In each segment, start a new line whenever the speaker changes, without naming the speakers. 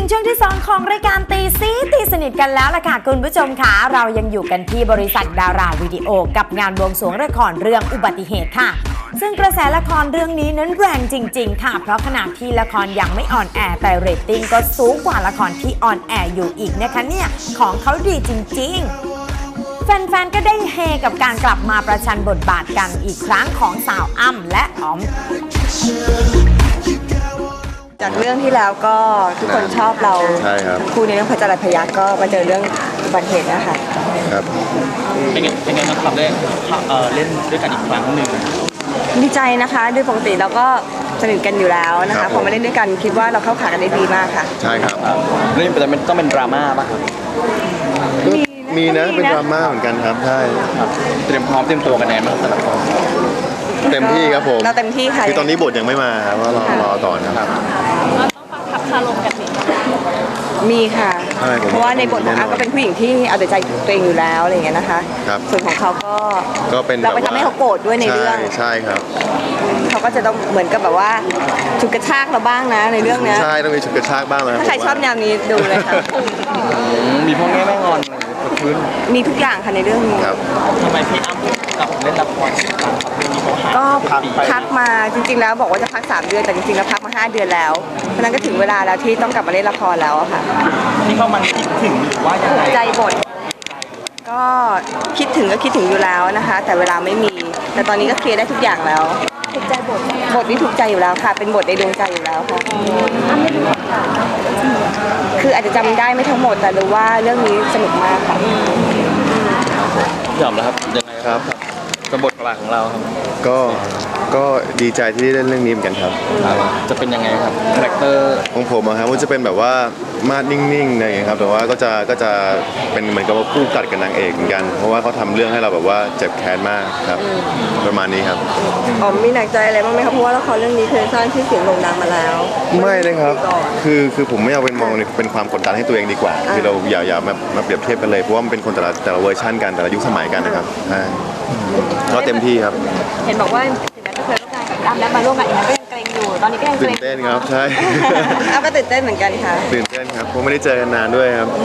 งช่วงที่2ของรายการตีสนิทกันแล้วล่ะค่ะคุณผู้ชมค่ะเรายังอยู่กันที่บริษัทดาราวิดีโอกับงานบวงสรวงละครเรื่องอุบัติเหตุค่ะซึ่งกระแสละครเรื่องนี้นั้นแรงจริงๆค่ะเพราะขณะที่ละครยังไม่ออนแอร์แต่เรตติ้งก็สูงกว่าละครที่ออนแอร์อยู่อีกนะคะเนี่ยของเขาดีจริงๆแฟนๆก็ได้เฮกับการกลับมาประชันบทบาทกันอีกครั้งของสาวอ้ำและอ๋อม
จากเรื่องที่แล้วก็ทุกคนชอบเราทั้งคู่ในเรื่องพระจรัสพยัคฆ์ก็มาเจอเรื่องอุบัติเหตุนะคะ
ครับ
เป็นไงบ้างครับได้เล่นด้วยกันอีกครั้งหนึ่ง
ดีใจนะคะด้วยปกติเราก็สนิทกันอยู่แล้วนะคะพอมาเล่นด้วยกันคิดว่าเราเข้าขากันได้ดีมากค่ะ
ใช่ครับ
เรื่องแต่มันต้องเป็นดราม่าป่ะครับ
มีนะเป็นดราม่าเหมือนกันครับใช่
เตรียมตัวกันแน่มากแต่ละคน
เต็มที่ครับผม
เราเต็มที่ค่ะ
คือตอนนี้บทยังไม่มาครับว่ารอต่อนะครับ
เราต้องฟังทับคารมกันสิ
มีค่ะเพราะว่าในบทของอาก็เป็นผู้หญิงที่เอาแต่ใจตัวเองอยู่แล้วอะไรอย่างเงี้ยนะคะส่วนของเขาก็
เป็น
เราไปทำให้เขาโกรธด้วยในเรื่อง
ใช่ครับ
เขาก็จะต้องเหมือนกับแบบว่าฉุดกระชากเราบ้างนะในเรื่องนี้
ใช่ต้องมีฉุดกระชากบ้างนะ
ถ้าใครชอบแนวนี้ดูเลยค่ะ
มีพวกแม่งอน
มีทุกอย่างค่ะในเรื่องนี้
ทำไมพี่อ้ำกับเล่นละคร
ก็พักมาจริงๆแล้วบอกว่าจะพัก3 เดือนแต่จริงๆแล้วพักมา5 เดือนแล้วเพราะนั้นก็ถึงเวลาแล้วที่ต้องกลับมาเล่นละครแล้วค่ะ
ที่เขามันคิดถึงหรือว่ายังไง
ใจบทก็คิดถึงอยู่แล้วนะคะแต่เวลาไม่มีแต่ตอนนี้ก็เคลียร์ได้ทุกอย่างแล้วถูกใจบทนี้ถูกใจอยู่แล้วค่ะเป็นบทในดวงใจอยู่แล้วค่ะคืออาจจะจำได้ไม่ทั้งหมดแต่รู้ว่าเรื่องนี้สนุกมากค่ะ
ยอมแล้วครับยังไงครับกับบทบาทของเราครับ
ก็ดีใจที่ได้เล่นเรื่องนี้เหมือนกันครับ
จะเป็นยังไงครับคาแรคเตอร์
ของผมครับว่าจะเป็นแบบว่ามาดนิ่งๆอะไรอย่างเงี้ยครับแต่ว่าก็จะเป็นเหมือนกับว่าคู่กัดกับนางเอกเหมือนกันเพราะว่าเขาทำเรื่องให้เราแบบว่าเจ็บแค้นมากครับประมาณนี้ครับ
อ๋อมีหนักใจอะไรบ้างไหมครับเพราะว่าละครเรื่องนี้เคยสร้างชื่อเสียงโด่งดังมาแล้ว
ไม่นะครับคือผมไม่เอาเป็นมองเป็นความกดดันให้ตัวเองดีกว่าคือเราอย่ามาเปรียบเทียบกันเลยเพราะว่ามันเป็นคนแต่ละเวอร์ชันกันแต่ละยุคสมัยกันนะครับก็เต็มที่ครับ
เห็นบอกว่าถึงแม้จะเคยร่วมงานกับอ้ำแล้วมาร่วมงานอีกนั้นก็ยังเกรงอยู่ตอนนี้ก็ยังเกรง
ตื่นเต้นครับใช่
อ้ำก็ตื่นเต้นเหมือนกันค่ะ
ตื่นเต้นครับเพราะไม่ได้เจอกันนานด้วยครับ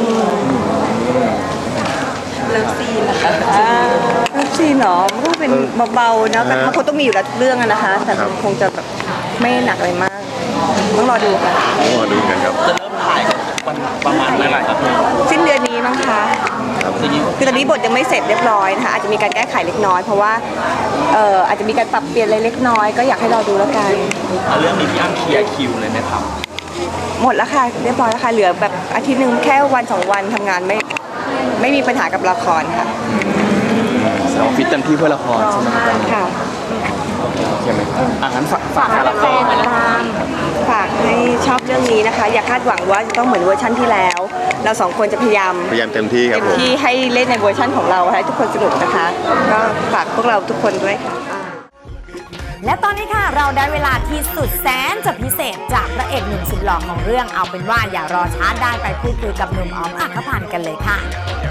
เลิฟซีนนะคะเลิฟซีนเหรอมันก็เป็นเบาๆนะแต่เขาคงต้องมีอยู่แล้วเรื่องนะคะแต่คงจะแบบไม่หนักอะไรมากต้องรอดูค่ะ
ต้องรอดูกันครับ
จะเริ่มถ่ายประมาณเมื่อไหร่ครับ
สิ้นเดือนนี้มั้งคะคือตอนนี้บทยังไม่เสร็จเรียบร้อยนะคะอาจจะมีการแก้ไขเล็กน้อยเพราะว่าอาจจะมีการปรับเปลี่ยนอะไรเล็กน้อยก็อยากให้เราดูแล้วกัน
เรื่องนี้พี่อ้ำเคลียร์คิวเลยไหมครับ
หมดแล้วค่ะเรียบร้อยแล้วค่ะเหลือแบบอาทิตย์นึงแค่วัน2 วันทำงานไม่มีปัญหากับละครค่ะ
เราฟิตเต็มที่เพื่อละครใช่ไหม
ค่ะ
ใช่ไหมงั้นฝากละคร
ฝากให้ชอบเรื่องนี้นะคะอย่าคาดหวังว่าจะต้องเหมือนเวอร์ชั่นที่แล้วเรา2 คนจะพยายาม
เต็มที่ครับ
ที่ให้เล่นในเวอร์ชั่นของเราให้ทุกคนสนุกนะคะก็ฝากพวกเราทุกคนด้วยค่ะ
และตอนนี้ค่ะเราได้เวลาที่สุดแสนจะพิเศษจากพระเอกหนุ่มสุดหล่อของเรื่องเอาเป็นว่าอย่ารอช้าได้ไปพูดคุยกับหนุ่มอ๋อมอัครพันธ์กันเลยค่ะ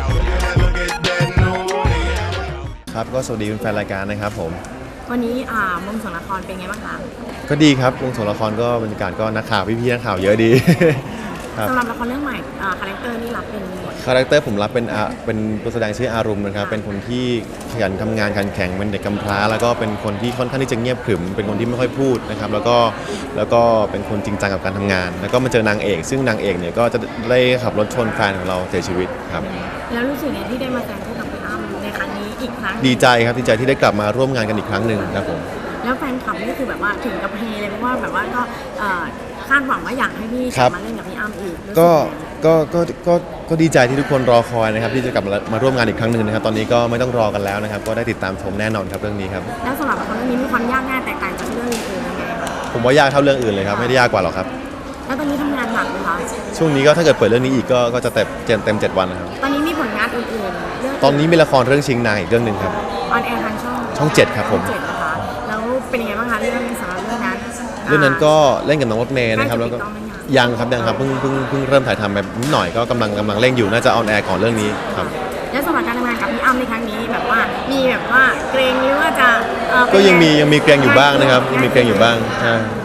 ครับก็สวัสดีแฟนรายการนะครับผม
วันนี้วงสวงละครเป็นไงบ้างคะ
ก็ดีครับวงสวงละครก็บรรยากาศก็นักข่าวพี่ๆนักข่าวเยอะดี
สำหรับละครเรื่องใหม่คาแรคเตอร์นี่รับเป็น
คาแรคเตอร์ผมรับเป็นตัวแสดงชื่ออารมณ์นะครับเป็นคนที่ขยันทำงานขันแข็งเป็นเด็กกำพร้าแล้วก็เป็นคนที่ค่อนข้างที่จะเงียบขรึมเป็นคนที่ไม่ค่อยพูดนะครับแล้วก็เป็นคนจริงจังกับการทำงานแล้วก็มาเจอนางเอกซึ่งนางเอกเนี่ยก็จะได้ขับรถชนแฟนของเราเสียชีวิตครับ
แล้วรู้สึกไงที่ได้มาแสดงคู่กับพี่อ้ำในครั้งนี้อีกครั้ง
ดีใจครับดีใจที่ได้กลับมาร่วมงานกันอีกครั้งหนึ่งครับผม
แล้วแฟนคลับนี่คือแบบว่าถึงกับเฮเลยเพราะว่าแบบว่าก็คาดหวังว่าอยากให้พี่กลับมาเล่นกับพี่อ้ำอีก
ก็ดีใจที่ทุกคนรอคอยนะครับที่จะกลับมาร่วมงานอีกครั้งหนึ่งนะครับตอนนี้ก็ไม่ต้องรอกันแล้วนะครับก็ได้ติดตามชมแน่นอนครับเรื่องนี้ครับ
แล้วสำหรับละครเรื่องนี้มีความยากง่ายแตกต่างจากเรื่องอื่นๆยังไง
ผมว่ายากเท่าเรื่องอื่นเลยครับไม่ได้ยากกว่าหรอกครับ
แล้วตอนนี้ทำงานหนักไหมคะ
ช่วงนี้ก็ถ้าเกิดเปิดเรื่องนี้อีกก็จะเต็ม7 วันนะครับ
ตอนนี้มีผลงานอื่นๆ
ตอนนี้มีละครเรื่องชิงนางอีกเรื่องนึงครับ
ออนแอร์ทาง
ช่อง7ครับผม
นะคะแล้วเป็นยังไงบ้างคะเรื่องสำหรับเรื่อง
นั้นก็เล่นกับน้องรถเมย์นะครับแล้วก็ยังครับเพิ่งเริ่มถ่ายทำไปนิดหน่อยก็กำลังเร่งอยู่น่าจะออนแอร์ก่อนเรื่องนี้ครับ
แล้วสำหรับการทำงานกับพี่อ้ำในครั้งนี้แบบว่ามีแบบว่าเกรงหรือว่าจะ
ก็ยังมีเกรงอยู่บ้างนะครับยังมีเกรงอยู่บ้างใช่
แต่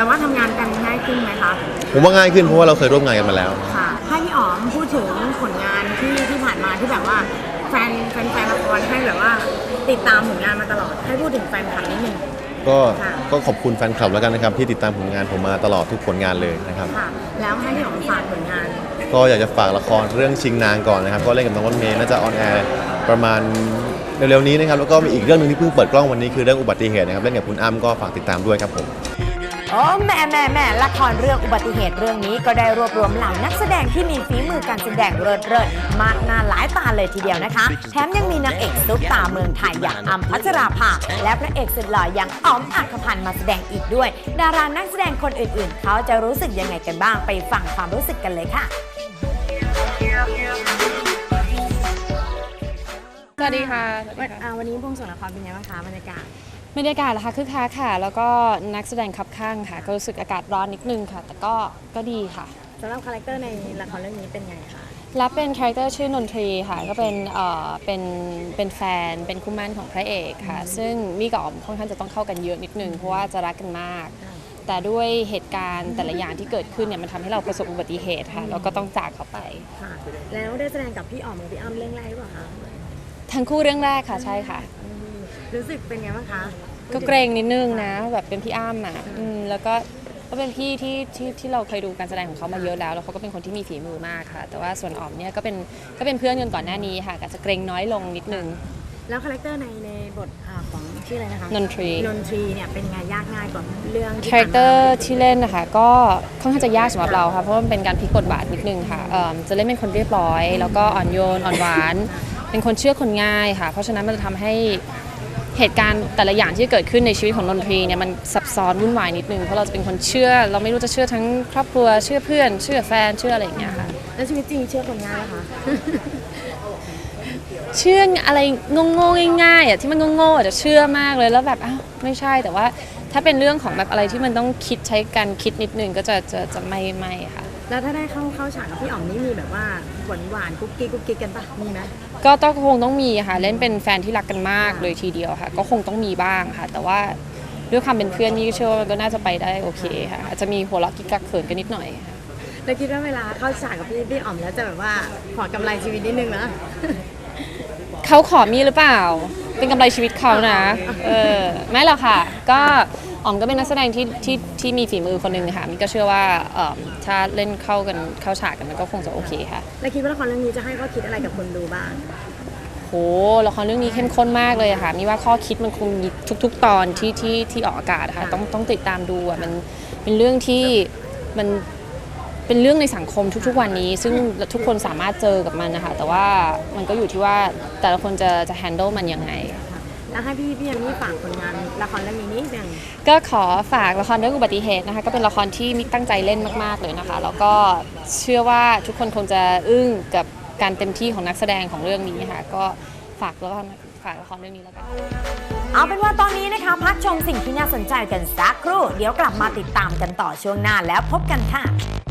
แต่ว่าทำงานกันง่ายขึ้นไหมคะ
ผมว่าง่ายขึ้นเพราะว่าเราเคยร่วมงานกันมาแล้ว
ค่ะให้พี่อ๋อมพูดถึงผลงานที่ผ่านมาที่แบบว่าแฟนละครให้แบบว่าติดตามผลงานมาตลอดให้พูดถึงแฟนคลับนิดนึง
ก็ขอบคุณแฟนคลับแล้วกันนะครับที่ติดตามผลงานผมมาตลอดทุกผลงานเลยนะครับ
ค่ะแล้วให้พี่อ๋อมฝากผลงาน
ก็อยากจะฝากละครเรื่องชิงนางก่อนนะครับก็เล่นกับน้องรถเมย์น่าจะออนแอร์ประมาณเร็วๆนี้นะครับแล้วก็มีอีกเรื่องหนึงที่เพิ่งเปิดกล้องวันนี้คือเรื่องอุบัติเหตุนะครับเล่นกับคุณอ้ำก็ฝากติดตามด้วยครับผม
โอ้แม่ละครเรื่องอุบัติเหตุเรื่องนี้ก็ได้รวบรวมเหล่านักแสดงที่มีฝีมือการแสดงเลิศมากหน้าหลายตาเลยทีเดียวนะคะแถมยังมีนางเอกซุปตาเมืองไทยอย่างอ้ำพัชราภาและพระเอกสุดหล่ออย่างอ๋อมอัครพันธ์มาแสดงอีกด้วยดารานักแสดงคนอื่นๆเขาจะรู้สึกยังไงกันบ้างไปฟังความรู้สึกกันเลยค่ะ
สวัสดีค่ะ
วันนี้บวงสรวงละครเป็นไงบ้างคะบรรยากาศ
บรรยากาศนะคะคึกคักค่ะ แล้วก็นักแสดงคับข้างค่ะ ก็รู้สึกอากาศร้อนนิดนึงค่ะ แต่ก็ดีค่ะ
สำหรับคาแรคเตอร์ในละครเรื่องนี้เป็นไงคะ
รับเป็นคาแรคเตอร์ชื่อนนทรีค่ะ ก็เป็นแฟนเป็นคู่หมั่นของพระเอกค่ะ ซึ่งมี่กับอ๋อมค่อนข้างจะต้องเข้ากันเยอะนิดนึงเพราะว่าจะรักกันมาก แต่ด้วยเหตุการณ์แต่ละอย่างที่เกิดขึ้นเนี่ยมันทำให้เราประสบอุบัติเหตุค่ะแล้วก็ต้องจากเขาไป
ค่ะ แล้วได้แสดงกับพี่อ๋อมกับพี่อ้ำเรื่องแรกหรือเปล่าคะ
ทั้งคู่เรื่องแรกค่ะใช่ค่ะ
รู้สึกเป็นไงบ้างคะ
ก็เกรงนิดนึงนะแบบเป็นพี่อ้ำอ่ะแล้วก็เป็นพี่ที่เราเคยดูการแสดงของเขามาเยอะแล้วเขาก็เป็นคนที่มีฝีมือมากค่ะ แต่ว่าส่วนอ๋อมเนี่ยก็เป็นเพื่อนกันก่อนหน้านี้ค่ะก็จะเกรงน้อยลงนิดนึง
แล้วคาแรคเตอร์ในบทของชื่ออะไรนะคะ
นนทรี
เนี่ยเป็นไงยากง่ายกว่าเรื่องที่
คาแรคเตอร์ที่เล่นนะคะก็ค่อนข้างจะยากสำหรับเราค่ะเพราะว่ามันเป็นการพลิกบทบาทนิดนึงค่ะจะเล่นเป็นคนเรียบร้อย แล้วก็อ่อนโยนอ่อนหวาน เป็นคนเชื่อคนง่ายค่ะเพราะฉะนั้นมันจะทำให้เหตุการณ์แต่ละอย่างที่เกิดขึ้นในชีวิตของนนทรีเนี่ยมันซับซ้อนวุ่นวายนิดนึงเพราะเราจะเป็นคนเชื่อเราไม่รู้จะเชื่อทั้งครอบครัวเชื่อเพื่อนเชื่อแฟนเชื่ออะไรอย่างเงี้ยค่ะ
แล้วชีวิตจริงเชื่อคนง่ายไหมคะ
เชื่ออะไรโง่ๆง่ายๆอ่ะที่มันโง่ๆอาจจะเชื่อมากเลยแล้วแบบอ้าวไม่ใช่แต่ว่าถ้าเป็นเรื่องของแบบอะไรที่มันต้องคิดใช้การคิดนิดนึงก็จะไม่ค่ะ
แล้วถ้าได้เข้าฉากกับพี่อ๋อมนี่มีแบบว่าหวานกุ๊กกิ๊กกันปะมีไหม
ก็ต้องคงต้องมีค่ะเล่นเป็นแฟนที่รักกันมากเลยทีเดียวค่ะก็คงต้องมีบ้างค่ะแต่ว่าด้วยความเป็นเพื่อนนี่เชื่อว่ามันก็น่าจะไปได้โอเคค่ะอาจจะมีหัวเราะกิ๊กกักเขินกันนิดหน่อยค่ะ
แล้วคิดว่าเวลาเข้าฉากกับพี่อ๋อมแล้วจะแบบว่าขอกำไรชีวิตนิดนึงนะ
เขาขอมีหรือเปล่าเป็นกำไรชีวิตเขานะไม่หรอกค่ะก็อ๋อมก็เป็นนักแสดงที่มีฝีมือคนหนึ่งค่ะมินก็เชื่อว่าถ้าเล่นเข้าฉากกันมันก็คงจะโอเคค่ะ
แล้วคิดว่าละครเรื่องนี้จะให้ข้อคิดอะไรกับคนดูบ้าง
โหละครเรื่องนี้เข้มข้นมากเลยค่ะมีว่าข้อคิดมันคงมีทุกๆตอนที่ออกอากาศค่ะต้องติดตามดูอ่ะมันเป็นเรื่องที่มันเป็นเรื่องในสังคมทุกๆวันนี้ซึ่งทุกคนสามารถเจอกับมันนะคะแต่ว่ามันก็อยู่ที่ว่าแต่ละคนจะ handle มันยังไง
แล้วให้พี่ยันนี่ฝากผลงานละครเรื่องนี้นิดนึง
ก็ขอฝากละครเรื่องอุบัติเหตุนะคะก็เป็นละครที่มิกตั้งใจเล่นมากๆเลยนะคะแล้วก็เชื่อว่าทุกคนคงจะอึ้งกับการเต็มที่ของนักแสดงของเรื่องนี้ค่ะก็ฝากละครเรื่องนี้แล้วกัน
เอาเป็นว่าตอนนี้นะคะพักชมสิ่งที่น่าสนใจกันสักครู่เดี๋ยวกลับมาติดตามกันต่อช่วงหน้าแล้วพบกันค่ะ